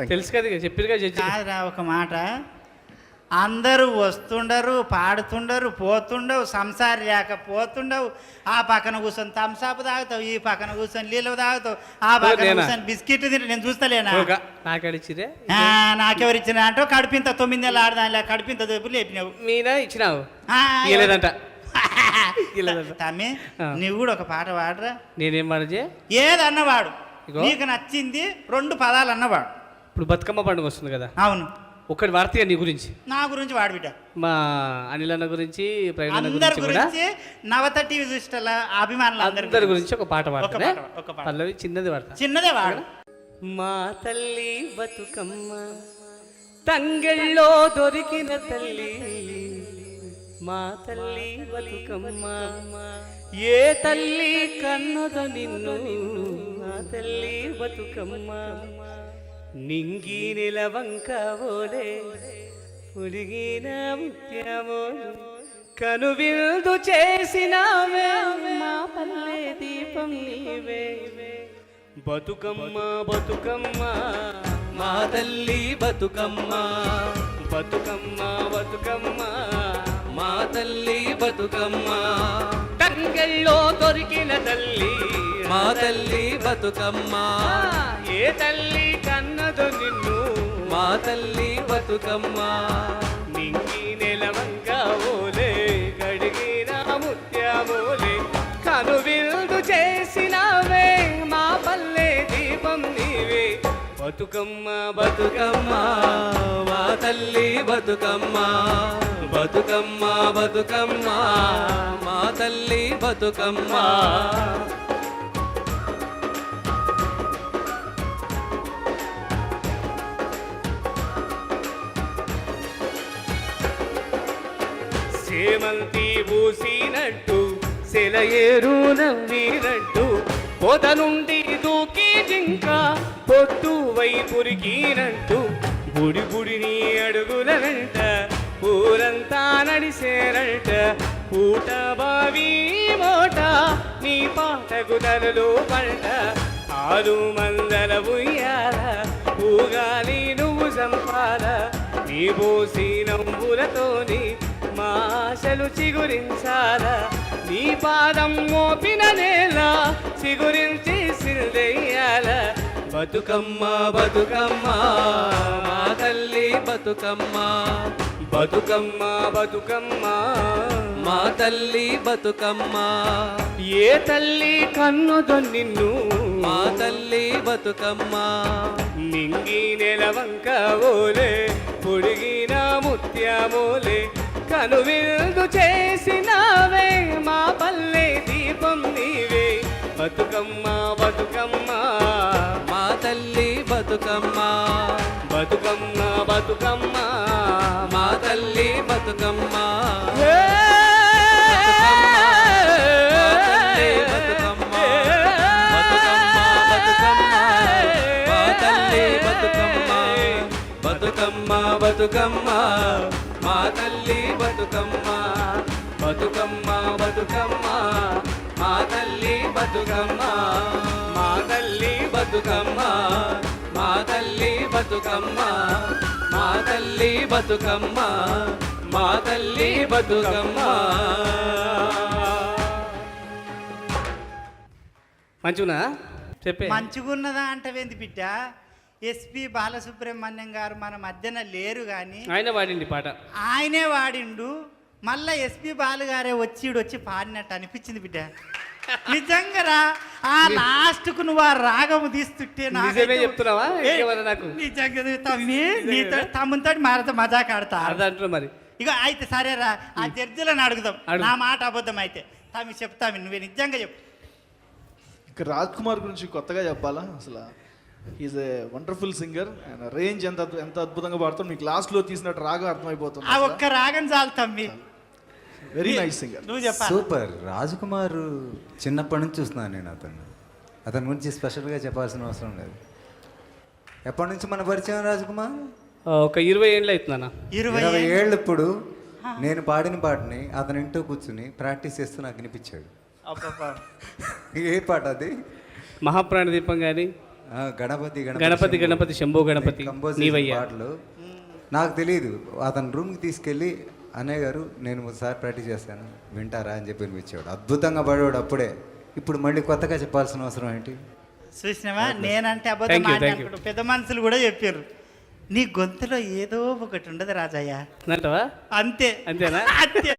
తెలుసు కదా చెప్పిరుగా జడ్జి. కాదురా ఒక మాట, అందరూ వస్తుండరు, పాడుతుండరు, పోతుండవు, సంసారి లేకపోతుండవు. ఆ పక్కన కూర్చొని థమ్సాప్ తాగుతావు, ఈ పక్కన కూర్చొని నీళ్ళు తాగుతావు, ఆ పక్కన కూర్చొని బిస్కెట్ తింటే నేను చూస్తలేనా? నాకడిచ్చిరే నాకెవరిచ్చిన అంటే కడుపింత 9 నెలలు ఆడదానిలే కడుపింత దెబ్బలు లేపినావు. మీనా ఇచ్చినావు ఇవ్వలేదంట. తమ్మి నువ్వు కూడా ఒక పాట పాడరా. నేనేం పాడజే? ఏదన్నవాడు నీకు నచ్చింది 2 పదాలు అన్నవాడు. ఇప్పుడు బతుకమ్మ పండుగ వస్తుంది కదా. అవును, ఒకటి వార్తగా నీ గురించి, నా గురించి వాడు బిడ్డ, మా అనిల్ అన్న గురించి, అందరి గురించి, నవత టీవీ చూసిన అభిమానులు అందరి గురించి ఒక పాట పాడతా. పల్లవి చిన్నది వాడతా. చిన్నదే వాడు. మా తల్లి బతుకమ్మ తంగెళ్ళో దొరికిన తల్లి, మా తల్లి బతుకమ్మ ఏ తల్లి కన్నదో నిన్ను, మా తల్లి బతుకమ్మ నింగి నిలవంక ఓలే ఉడిగిన ముత్యమోలు కనువిందు చేసినావే, మా పల్లె దీపం నీవే. బతుకమ్మ బతుకమ్మ మా తల్లి బతుకమ్మ, బతుకమ్మ బతుకమ్మ మా తల్లి బతుకమ్మ తంగెళ్ళో దొరికిన తల్లి, మా తల్లి బతుకమ్మ ఏ తల్లి కన్నదో నిన్ను, మా తల్లి బతుకమ్మ నింగి నెలవంక ఓలే గడిగిన ముత్యమోలే కనువిందు చేసినావే, మా పల్లె దీపం నీవే. బతుకమ్మ బతుకమ్మ మా తల్లి బతుకమ్మ, బతుకమ్మ బతుకమ్మ మా తల్లి బతుకమ్మ. సేమంతి పూసినట్టు సెలయేరు నవ్వినట్టు పొద నుండి దూకి జింక పొట్టు వైపురికినట్టు బుడి బుడిని అడుగుల వెంట ఊరంతా నడిసేరంట. పూట బావి మోట నీ పాటకు తలలు పంట, ఆరు మందల ఉయ్యాల ఊగాలి నువ్వు సంపాల, నీ పోసి నవ్వులతోని మా ఆశలు చిగురించాల, నీ పాదం మోపిన నేల చిగురించి సిల్దెయ్యాల. బతుకమ్మ బతుకమ్మ మా తల్లి బతుకమ్మ, బతుకమ్మ బతుకమ్మ మా తల్లి బతుకమ్మ ఏ తల్లి కన్నుదో నిన్ను, మా తల్లి బతుకమ్మ నింగి నెలవంక ఓలే పొడిగిన ముత్యమోలే కనువిందు చేసినావే, మా పల్లె దీపం నీవే. బతుకమ్మ బతుకమ్మ మా తల్లి బతుకమ్మ, బతుకమ్మ బతుకమ్మ మా తల్లి బతుకమ్మ. బతుకమ్మ బతుకమ్మ మా తల్లి బతుకమ్మ, బతుకమ్మ బతుకమ్మ మా తల్లి బతుకమ్మ, మా తల్లి బతుకమ్మ, మా తల్లి బతుకమ్మ, మా తల్లి బతుకమ్మ, మా తల్లి బతుకమ్మ. మంచిగున్నా చెప్పే? మంచిగున్నదా అంటవేంది బిడ్డ? ఎస్పి బాలసుబ్రహ్మణ్యం గారు మన మధ్యన లేరు కానీ ఆయన వాడిండి పాట, ఆయనే వాడిండు. మళ్ళా ఎస్పి బాలు గారే వచ్చి పాడినట్టు అనిపించింది బిడ్డ. నిజంగా ఆ లాస్ట్కు నువ్వు ఆ రాగము తీస్తుంటే చెప్తున్నావా? నిజంగా తమ్ముతో మారతో మజాక్ ఆడతా మరి. ఇక అయితే సరేరా, ఆ జడ్జిలను అడుగుదాం. నా మాట అబద్ధం అయితే తమ్మి చెప్తామి, నువ్వే నిజంగా చెప్పు. ఇక రాజ్ కుమార్ గురించి కొత్తగా చెప్పాలా? అసలు ఈజ్ ఏ వండర్ఫుల్ సింగర్. ఆయన రేంజ్ ఎంత అద్భుతంగా పాడుతాం. మీకు లాస్ట్లో తీసినట్టు రాగం అర్థమైపోతుంది. ఆ ఒక్క రాగం చాలు తమ్మి. Very nice singer. నువ్వు చెప్పాలి. సూపర్. రాజ్ కుమార్ చిన్నప్పటి నుంచి చూస్తున్నాను నేను. అతని గురించి స్పెషల్గా చెప్పాల్సిన అవసరం లేదు. ఎప్పటి నుంచి మన పరిచయం రాజ్ కుమార్? ఒక 20 ఏళ్ళు అవుతుందన్న. 20 ఏళ్ళు. ఇప్పుడు నేను పాడిన పాటని అతని ఇంట్లో కూర్చుని ప్రాక్టీస్ చేస్తూ నాకు వినిపించాడు. ఏ పాట అది? మహాప్రాణ దీపం కానీ గణపతి గణపతి గణపతి శంభో గణపతి కంపోజ్ చేసిన నీవయ్యా. పాటలు నాకు తెలియదు. అతను రూమ్కి తీసుకెళ్ళి అన్నయ్య గారు నేను ఒకసారి ప్రాక్టీస్ చేస్తాను వింటారా అని చెప్పి వినిపించాడు. అద్భుతంగా పాడేవాడు అప్పుడే. ఇప్పుడు మళ్ళీ కొత్తగా చెప్పాల్సిన అవసరం ఏంటి? చూసినావా, నేనంటే అబద్ధం Thank you, thank you. మాట్లాడుకుంటూ పెద్ద మనుషులు కూడా చెప్పారు, నీ గొంతులో ఏదో ఒకటి ఉండదు రాజయ్య. అంటావా? అంతే అంతేనా? అంతే.